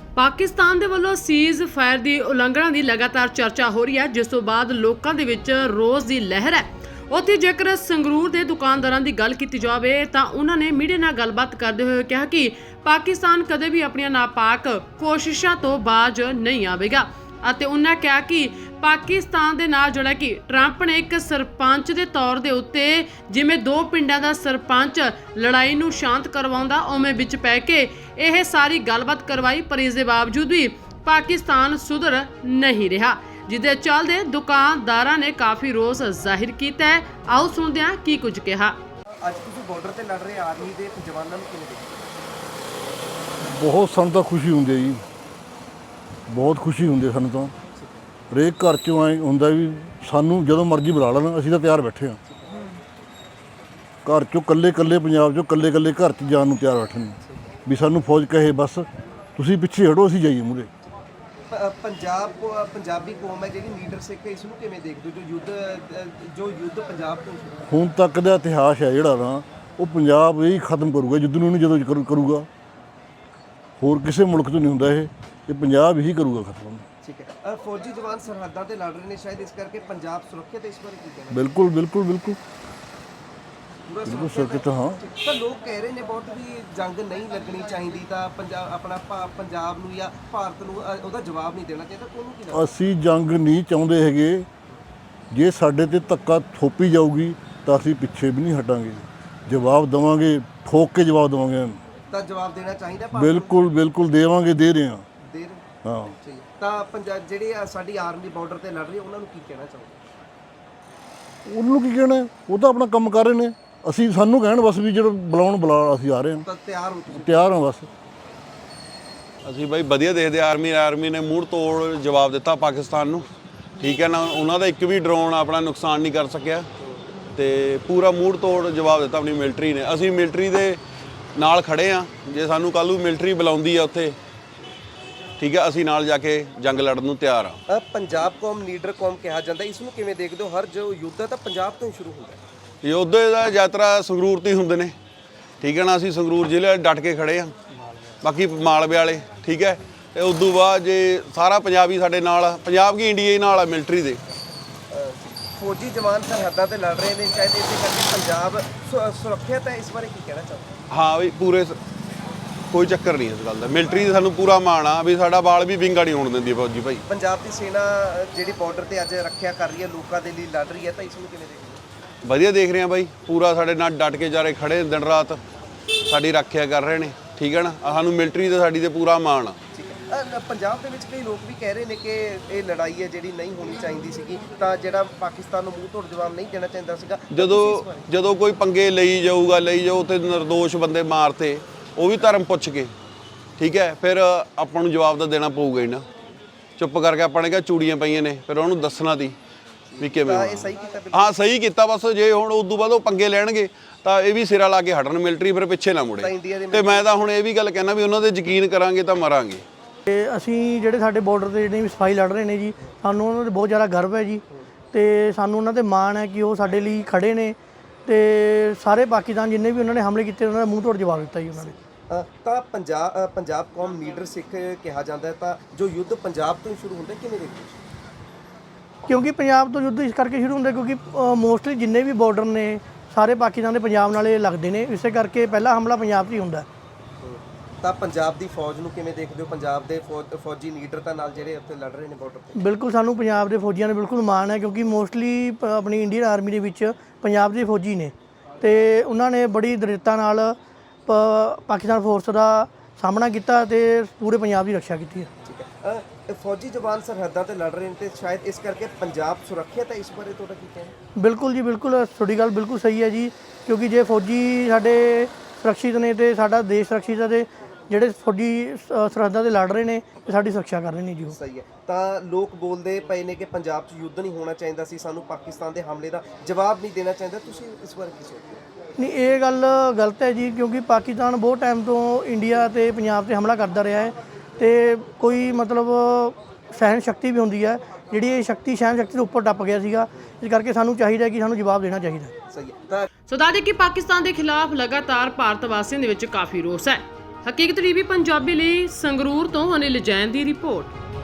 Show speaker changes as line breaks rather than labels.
ਪਾਕਿਸਤਾਨ ਦੇ ਵੱਲੋਂ cease fire ਦੀ ਉਲੰਘਣਾ ਦੀ ਲਗਾਤਾਰ ਚਰਚਾ ਹੋ ਰਹੀ ਹੈ, ਜਿਸ ਤੋਂ ਬਾਅਦ ਲੋਕਾਂ ਦੇ ਵਿੱਚ ਰੋਸ ਦੀ ਲਹਿਰ ਹੈ। ਉੱਥੇ ਜੇਕਰ ਸੰਗਰੂਰ ਦੇ ਦੁਕਾਨਦਾਰਾਂ ਦੀ ਗੱਲ ਕੀਤੀ ਜਾਵੇ ਤਾਂ ਉਹਨਾਂ ਨੇ ਮੀਡੀਆ ਨਾਲ ਗੱਲਬਾਤ ਕਰਦੇ ਹੋਏ ਕਿਹਾ ਕਿ ਪਾਕਿਸਤਾਨ ਕਦੇ ਵੀ ਆਪਣੀਆਂ ਨਾਪਾਕ ਕੋਸ਼ਿਸ਼ਾਂ ਤੋਂ ਬਾਜ਼ ਨਹੀਂ ਆਵੇਗਾ ਅਤੇ ਉਹਨਾਂ ਕਿਹਾ ਕਿ ਪਾਕਿਸਤਾਨ ਦੇ ਨਾਲ ਜਿਹੜਾ ਕਿ ਟਰੰਪ ਨੇ ਇੱਕ ਸਰਪੰਚ ਦੇ ਤੌਰ ਦੇ ਉੱਤੇ ਜਿਵੇਂ ਦੋ ਪਿੰਡਾਂ ਦਾ ਸਰਪੰਚ ਲੜਾਈ ਨੂੰ ਸ਼ਾਂਤ ਕਰਵਾਉਂਦਾ ਉਵੇਂ ਵਿੱਚ ਪੈ ਕੇ ਇਹ ਸਾਰੀ ਗੱਲਬਾਤ ਕਰਵਾਈ, ਪਰ ਇਸ ਦੇ ਬਾਵਜੂਦ ਵੀ ਪਾਕਿਸਤਾਨ ਸੁਧਰ ਨਹੀਂ ਰਿਹਾ, ਜਿਹਦੇ ਚੱਲਦੇ ਦੁਕਾਨਦਾਰਾਂ ਨੇ ਕਾਫੀ ਰੋਸ ਜ਼ਾਹਿਰ ਕੀਤਾ ਹੈ। ਆਓ ਸੁਣਦੇ ਹਾਂ ਕੀ ਕੁਝ ਕਿਹਾ।
ਅੱਜ ਤੁਸੀਂ ਬਾਰਡਰ ਤੇ ਲੜ ਰਹੇ ਆਰਮੀ ਦੇ ਜਵਾਨਾਂ ਨੂੰ ਕਿਵੇਂ ਦੇਖਦੇ?
ਬਹੁਤ ਸਾਨੂੰ ਤਾਂ ਖੁਸ਼ੀ ਹੁੰਦੀ ਹੈ ਜੀ, ਬਹੁਤ ਖੁਸ਼ੀ ਹੁੰਦੀ ਹੈ ਸਾਨੂੰ ਤਾਂ। ਹਰੇਕ ਘਰ 'ਚੋਂ ਐਂ ਹੁੰਦਾ ਵੀ ਸਾਨੂੰ ਜਦੋਂ ਮਰਜ਼ੀ ਬੁਲਾ ਲੈਣ, ਅਸੀਂ ਤਾਂ ਤਿਆਰ ਬੈਠੇ ਹਾਂ। ਘਰ 'ਚੋਂ ਇਕੱਲੇ ਪੰਜਾਬ 'ਚੋਂ ਇਕੱਲੇ ਘਰ 'ਚ ਜਾਣ ਨੂੰ ਤਿਆਰ ਬੈਠੇ ਨੇ ਵੀ ਸਾਨੂੰ ਫੌਜ ਕਹੇ ਬਸ ਤੁਸੀਂ ਪਿੱਛੇ ਹਟੋ, ਅਸੀਂ ਜਾਈਏ ਮੂਹਰੇ।
ਪੰਜਾਬੀ ਕੌਮ ਹੈ ਜਿਹੜੀ ਲੀਡਰ ਸਿੱਖ ਹੈ, ਇਸ ਨੂੰ ਕਿਵੇਂ ਦੇਖਦੇ ਹੋ ਜੋ ਯੁੱਧ ਪੰਜਾਬ ਤੋਂ
ਹੁਣ ਤੱਕ ਦਾ ਇਤਿਹਾਸ ਹੈ ਜਿਹੜਾ ਨਾ, ਉਹ ਪੰਜਾਬ ਇਹ ਖਤਮ ਕਰੂਗਾ ਯੁੱਧ ਨੂੰ, ਜਦੋਂ ਕਰੂਗਾ। ਹੋਰ ਕਿਸੇ ਮੁਲਕ ਤੋਂ ਨਹੀਂ ਹੁੰਦਾ ਇਹ ਪੰਜਾਬ ਹੀ ਕਰੂਗਾ ਖਤਮ।
ਠੀਕ ਹੈ, ਫੌਜੀ ਜਵਾਨ ਸਰਹੱਦਾਂ ਤੇ ਲੜ ਰਹੇ ਨੇ, ਸ਼ਾਇਦ ਇਸ ਕਰਕੇ ਪੰਜਾਬ ਸੁਰੱਖਿਅਤ ਹੈ, ਇਸ ਬਾਰੇ ਕੀ ਕਹਿਣਾ?
ਬਿਲਕੁਲ ਸੁਰੱਖਿਅਤ। ਹਾਂ,
ਤਾਂ ਲੋਕ ਕਹਿ ਰਹੇ ਨੇ ਬਹੁਤ ਵੀ ਜੰਗ ਨਹੀਂ ਲੱਗਣੀ ਚਾਹੀਦੀ, ਤਾਂ ਪੰਜਾਬ ਨੂੰ ਜਾਂ ਭਾਰਤ ਨੂੰ ਉਹਦਾ ਜਵਾਬ ਨਹੀਂ ਦੇਣਾ ਚਾਹੀਦਾ। ਤੁਹਾਨੂੰ ਕੀ ਲੱਗਦਾ?
ਅਸੀਂ ਜੰਗ ਨਹੀਂ ਚਾਹੁੰਦੇ ਹੈਗੇ। ਜੇ ਸਾਡੇ ਤੇ ਧੱਕਾ ਥੋਪੀ ਜਾਊਗੀ ਤਾਂ ਅਸੀਂ ਪਿੱਛੇ ਵੀ ਨਹੀਂ ਹਟਾਂਗੇ, ਜਵਾਬ ਦੇਵਾਂਗੇ, ਠੋਕ ਕੇ ਜਵਾਬ ਦੇਵਾਂਗੇ।
ਤਾਂ ਜਵਾਬ ਦੇਣਾ ਚਾਹੀਦਾ ਭਾਰਤ ਨੂੰ?
ਬਿਲਕੁਲ ਦੇਵਾਂਗੇ, ਦੇ ਰਹੇ ਹਾਂ। ਹਾਂ,
ਠੀਕ ਹੈ। ਤਾਂ ਪੰਜਾਬ ਜਿਹੜੀ ਸਾਡੀ ਆਰਮੀ ਬਾਰਡਰ ਤੇ ਲੜ ਰਹੀ ਹੈ, ਉਹਨਾਂ ਨੂੰ ਕੀ ਕਹਿਣਾ ਚਾਹੋਗੇ?
ਉਹਨੂੰ ਕੀ ਕਹਿਣਾ, ਉਹ ਤਾਂ ਆਪਣਾ ਕੰਮ ਕਰ ਰਹੇ ਨੇ। ਅਸੀਂ ਸਾਨੂੰ ਕਹਿਣ ਬਸ ਵੀ ਜਦੋਂ ਬੁਲਾ ਅਸੀਂ ਆ ਰਹੇ ਹਾਂ,
ਤਾਂ ਤਿਆਰ ਹੋ ਤੁਸੀਂ?
ਤਿਆਰ ਹਾਂ ਬਸ।
ਅਸੀਂ ਬਾਈ ਵਧੀਆ ਦੇਖਦੇ ਆਰਮੀ ਨੇ ਮੂੰਹ ਤੋੜ ਜਵਾਬ ਦਿੱਤਾ ਪਾਕਿਸਤਾਨ ਨੂੰ, ਠੀਕ ਹੈ ਨਾ। ਉਹਨਾਂ ਦਾ ਇੱਕ ਵੀ ਡਰੋਨ ਆਪਣਾ ਨੁਕਸਾਨ ਨਹੀਂ ਕਰ ਸਕਿਆ ਤੇ ਪੂਰਾ ਮੂੰਹ ਤੋੜ ਜਵਾਬ ਦਿੱਤਾ ਆਪਣੀ ਮਿਲਟਰੀ ਨੇ। ਅਸੀਂ ਮਿਲਟਰੀ ਦੇ ਨਾਲ ਖੜੇ ਆ, ਜੇ ਸਾਨੂੰ ਕੱਲ੍ਹ ਨੂੰ ਮਿਲਟਰੀ ਬੁਲਾਉਂਦੀ ਆ ਉੱਥੇ, ਠੀਕ ਹੈ, ਅਸੀਂ ਨਾਲ ਜਾ ਕੇ ਜੰਗ ਲੜਨ ਨੂੰ ਤਿਆਰ ਆ।
ਪੰਜਾਬ ਕੌਮ ਲੀਡਰ ਕੌਮ ਕਿਹਾ ਜਾਂਦਾ, ਇਸ ਨੂੰ ਕਿਵੇਂ ਦੇਖਦੇ ਹੋ? ਹਰ ਜੋ ਯੁੱਧ ਹੈ ਤਾਂ ਪੰਜਾਬ ਤੋਂ ਹੀ ਸ਼ੁਰੂ ਹੁੰਦਾ ਹੈ।
ਯੁੱਧ ਦਾ ਯਾਤਰਾ ਸੰਗਰੂਰ ਤੋਂ ਹੀ ਹੁੰਦੇ ਨੇ, ਠੀਕ ਹੈ ਨਾ। ਅਸੀਂ ਸੰਗਰੂਰ ਜ਼ਿਲ੍ਹੇ ਡਟ ਕੇ ਖੜੇ ਆ, ਬਾਕੀ ਮਾਲਵੇ ਵਾਲੇ, ਠੀਕ ਹੈ। ਤੇ ਉਸ ਤੋਂ ਬਾਅਦ ਜੇ ਸਾਰਾ ਪੰਜਾਬ ਹੀ ਸਾਡੇ ਨਾਲ ਆ, ਪੰਜਾਬ ਕੀ ਇੰਡੀਆ ਹੀ ਨਾਲ ਆ ਮਿਲਟਰੀ ਦੇ।
ਫੌਜੀ ਜਵਾਨ ਸਰਹੱਦਾਂ ਤੇ ਲੜ ਰਹੇ ਨੇ, ਸ਼ਾਇਦ ਇਸੇ ਕਰਕੇ ਪੰਜਾਬ ਸੁਰੱਖਿਅਤ ਹੈ, ਇਸ ਬਾਰੇ ਕੀ ਕਹਿਣਾ ਚਾਹੋਗੇ?
ਹਾਂ ਵੀ ਪੂਰੇ ਕੋਈ ਚੱਕਰ ਨਹੀਂ ਇਸ ਗੱਲ ਦਾ। ਮਿਲਟਰੀ ਦਾ ਸਾਨੂੰ ਪੂਰਾ ਮਾਣ ਆ ਵੀ ਸਾਡਾ ਬਾਲ ਵੀ ਵਿੰਗਾ ਨਹੀਂ ਹੋਣ ਦਿੰਦੀ ਫੌਜੀ ਭਾਈ।
ਪੰਜਾਬ ਦੀ ਸੈਨਾ ਜਿਹੜੀ ਬਾਰਡਰ ਤੇ ਅੱਜ ਰੱਖਿਆ ਕਰ ਰਹੀ ਹੈ, ਲੋਕਾਂ ਦੇ ਲਈ ਲੜ ਰਹੀ ਹੈ, ਤਾਂ ਇਸ ਨੂੰ ਕਿਵੇਂ ਦੇਖਦੇ?
ਵਧੀਆ ਦੇਖ ਰਹੇ ਆ ਬਾਈ, ਪੂਰਾ ਸਾਡੇ ਨਾਲ ਡਟ ਕੇ ਜਾ ਰਹੇ ਖੜੇ ਦਿਨ ਰਾਤ, ਸਾਡੀ ਰੱਖਿਆ ਕਰ ਰਹੇ ਨੇ, ਠੀਕ ਹੈ ਨਾ। ਸਾਨੂੰ ਮਿਲਟਰੀ ਦਾ ਸਾਡੀ ਤੇ ਪੂਰਾ ਮਾਣ ਆ।
ਠੀਕ ਹੈ। ਪੰਜਾਬ ਦੇ ਵਿੱਚ ਕਈ ਲੋਕ ਵੀ ਕਹਿ ਰਹੇ ਨੇ ਕਿ ਇਹ ਲੜਾਈ ਹੈ ਜਿਹੜੀ ਨਹੀਂ ਹੋਣੀ ਚਾਹੀਦੀ ਸੀਗੀ, ਤਾਂ ਜਿਹੜਾ ਪਾਕਿਸਤਾਨ ਨੂੰ ਮੂੰਹ ਤੋੜ ਜਵਾਬ ਨਹੀਂ ਦੇਣਾ ਚਾਹੀਦਾ ਸੀਗਾ।
ਜਦੋਂ ਕੋਈ ਪੰਗੇ ਲਈ ਜਾਓ ਤੇ ਨਿਰਦੋਸ਼ ਬੰਦੇ ਮਾਰਤੇ, ਉਹ ਵੀ ਧਰਮ ਪੁੱਛ ਕੇ, ਠੀਕ ਹੈ, ਫਿਰ ਆਪਾਂ ਨੂੰ ਜਵਾਬ ਤਾਂ ਦੇਣਾ ਪਊਗਾ ਹੀ ਨਾ। ਚੁੱਪ ਕਰਕੇ ਆਪਾਂ ਨੇ ਕਿਹਾ ਚੂੜੀਆਂ ਪਈਆਂ ਨੇ, ਫਿਰ ਉਹਨੂੰ ਦੱਸਣਾ ਤੀ ਵੀ ਕਿਵੇਂ।
ਇਹ ਸਹੀ ਕੀਤਾ?
ਹਾਂ ਸਹੀ ਕੀਤਾ। ਬਸ ਜੇ ਹੁਣ ਉਸ ਤੋਂ ਬਾਅਦ ਉਹ ਪੰਗੇ ਲੈਣਗੇ ਤਾਂ ਇਹ ਵੀ ਸਿਰਾ ਲਾ ਕੇ ਹਟਣ ਮਿਲਟਰੀ, ਫਿਰ ਪਿੱਛੇ ਨਾ ਮੁੜੇ। ਤੇ ਮੈਂ ਤਾਂ ਹੁਣ ਇਹ ਵੀ ਗੱਲ ਕਹਿਣਾ ਵੀ ਉਹਨਾਂ ਦੇ ਯਕੀਨ ਕਰਾਂਗੇ ਤਾਂ ਮਰਾਂਗੇ।
ਤੇ ਅਸੀਂ ਜਿਹੜੇ ਸਾਡੇ ਬਾਰਡਰ ਤੇ ਜਿਹੜੇ ਵੀ ਸਫਾਈ ਲੜ ਰਹੇ ਨੇ ਜੀ, ਸਾਨੂੰ ਉਹਨਾਂ ਤੇ ਬਹੁਤ ਜ਼ਿਆਦਾ ਗਰਵ ਹੈ ਜੀ, ਤੇ ਸਾਨੂੰ ਉਹਨਾਂ ਤੇ ਮਾਣ ਹੈ ਕਿ ਉਹ ਸਾਡੇ ਲਈ ਖੜੇ ਨੇ। ਤੇ ਸਾਰੇ ਪਾਕਿਸਤਾਨ ਜਿੰਨੇ ਵੀ ਉਹਨਾਂ ਨੇ ਹਮਲੇ ਕੀਤੇ, ਉਹਨਾਂ ਦਾ ਮੂੰਹ ਤੋੜ ਜਵਾਬ ਦਿੱਤਾ ਜੀ ਉਹਨਾਂ ਨੇ।
ਤਾਂ ਪੰਜਾਬ ਕੌਮ ਲੀਡਰ ਸਿੱਖ ਕਿਹਾ ਜਾਂਦਾ ਹੈ, ਤਾਂ ਜੋ ਯੁੱਧ ਪੰਜਾਬ ਤੋਂ ਹੀ ਸ਼ੁਰੂ ਹੁੰਦਾ, ਕਿਵੇਂ ਦੇਖਦੇ?
ਕਿਉਂਕਿ ਪੰਜਾਬ ਤੋਂ ਯੁੱਧ ਇਸ ਕਰਕੇ ਸ਼ੁਰੂ ਹੁੰਦਾ ਕਿਉਂਕਿ ਮੋਸਟਲੀ ਜਿੰਨੇ ਵੀ ਬਾਰਡਰ ਨੇ ਸਾਰੇ ਪਾਕਿਸਤਾਨ ਦੇ ਪੰਜਾਬ ਨਾਲੇ ਲੱਗਦੇ ਨੇ, ਇਸੇ ਕਰਕੇ ਪਹਿਲਾ ਹਮਲਾ ਪੰਜਾਬ 'ਚ ਹੀ ਹੁੰਦਾ।
ਤਾਂ ਪੰਜਾਬ ਦੀ ਫੌਜ ਨੂੰ ਕਿਵੇਂ ਦੇਖਦੇ ਹੋ? ਪੰਜਾਬ ਦੇ ਫੌਜੀ ਲੀਡਰ ਤਾਂ ਨਾਲ ਜਿਹੜੇ ਉੱਥੇ ਲੜ ਰਹੇ ਨੇ ਬਾਰਡਰ ਤੇ।
ਬਿਲਕੁਲ ਸਾਨੂੰ ਪੰਜਾਬ ਦੇ ਫੌਜੀਆਂ ਨੇ ਬਿਲਕੁਲ ਮਾਣ ਹੈ, ਕਿਉਂਕਿ ਮੋਸਟਲੀ ਆਪਣੀ ਇੰਡੀਅਨ ਆਰਮੀ ਦੇ ਵਿੱਚ ਪੰਜਾਬ ਦੇ ਫੌਜੀ ਨੇ, ਤੇ ਉਹਨਾਂ ਨੇ ਬੜੀ ਦ੍ਰਿੜਤਾ ਨਾਲ ਪਾਕਿਸਤਾਨ ਫੋਰਸ ਦਾ ਸਾਹਮਣਾ ਕੀਤਾ ਤੇ ਪੂਰੇ ਪੰਜਾਬ ਦੀ ਰੱਖਿਆ ਕੀਤੀ ਹੈ।
ਠੀਕ ਹੈ। ਫੌਜੀ ਜਵਾਨ ਸਰਹੱਦਾਂ ਤੇ ਲੜ ਰਹੇ ਨੇ, ਤੇ ਸ਼ਾਇਦ ਇਸ ਕਰਕੇ ਪੰਜਾਬ ਸੁਰੱਖਿਅਤ ਹੈ, ਇਸ ਬਾਰੇ ਤੁਹਾਡਾ ਕੀ ਕਹਿਣਾ?
ਬਿਲਕੁਲ ਜੀ, ਬਿਲਕੁਲ ਤੁਹਾਡੀ ਗੱਲ ਬਿਲਕੁਲ ਸਹੀ ਹੈ ਜੀ, ਕਿਉਂਕਿ ਜੇ ਫੌਜੀ ਸਾਡੇ ਸੁਰੱਖਿਅਤ ਨੇ ਤੇ ਸਾਡਾ ਦੇਸ਼ ਸੁਰੱਖਿਅਤ ਹੈ, ਤੇ ਜਿਹੜੇ ਫੌਜੀ ਸਰਹੱਦਾਂ ਤੇ ਲੜ ਰਹੇ ਨੇ ਤੇ ਸਾਡੀ ਸੁਰੱਖਿਆ ਕਰ ਰਹੇ ਨੇ ਜੀ ਉਹ।
ਸਹੀ ਹੈ। ਤਾਂ ਲੋਕ ਬੋਲਦੇ ਪਏ ਨੇ ਕਿ ਪੰਜਾਬ 'ਚ ਯੁੱਧ ਨਹੀਂ ਹੋਣਾ ਚਾਹੀਦਾ ਸੀ, ਸਾਨੂੰ ਪਾਕਿਸਤਾਨ ਦੇ ਹਮਲੇ ਦਾ ਜਵਾਬ ਨਹੀਂ ਦੇਣਾ ਚਾਹੀਦਾ, ਤੁਸੀਂ ਇਸ ਬਾਰੇ ਕੀ ਸੋਚਦੇ ਹੋ?
ਨਹੀਂ, ਇਹ ਗੱਲ ਗਲਤ ਹੈ ਜੀ, ਕਿਉਂਕਿ ਪਾਕਿਸਤਾਨ ਬਹੁਤ ਟਾਈਮ ਤੋਂ ਇੰਡੀਆ ਤੇ ਪੰਜਾਬ ਤੇ ਹਮਲਾ ਕਰਦਾ ਰਿਹਾ ਹੈ, ਤੇ ਕੋਈ ਮਤਲਬ ਸਹਿਣ ਸ਼ਕਤੀ ਵੀ ਹੁੰਦੀ ਹੈ, ਜਿਹੜੀ ਇਹ ਸ਼ਕਤੀ ਸਹਿਣ ਸ਼ਕਤੀ ਤੋਂ ਉੱਪਰ ਟੱਪ ਗਿਆ ਸੀਗਾ, ਇਸ ਕਰਕੇ ਸਾਨੂੰ ਚਾਹੀਦਾ ਕਿ ਸਾਨੂੰ ਜਵਾਬ ਦੇਣਾ ਚਾਹੀਦਾ।
ਸਹੀ ਹੈ। ਤਾਂ
ਸੋ ਦੱਸ ਦੇਈਏ ਕਿ ਪਾਕਿਸਤਾਨ ਦੇ ਖਿਲਾਫ ਲਗਾਤਾਰ ਭਾਰਤ ਵਾਸੀਆਂ ਦੇ ਵਿੱਚ ਕਾਫੀ ਰੋਸ ਹੈ। ਹਕੀਕਤ ਟੀਵੀ ਪੰਜਾਬੀ ਲਈ ਸੰਗਰੂਰ ਤੋਂ ਅਨਿਲ ਜੈਨ ਦੀ ਰਿਪੋਰਟ।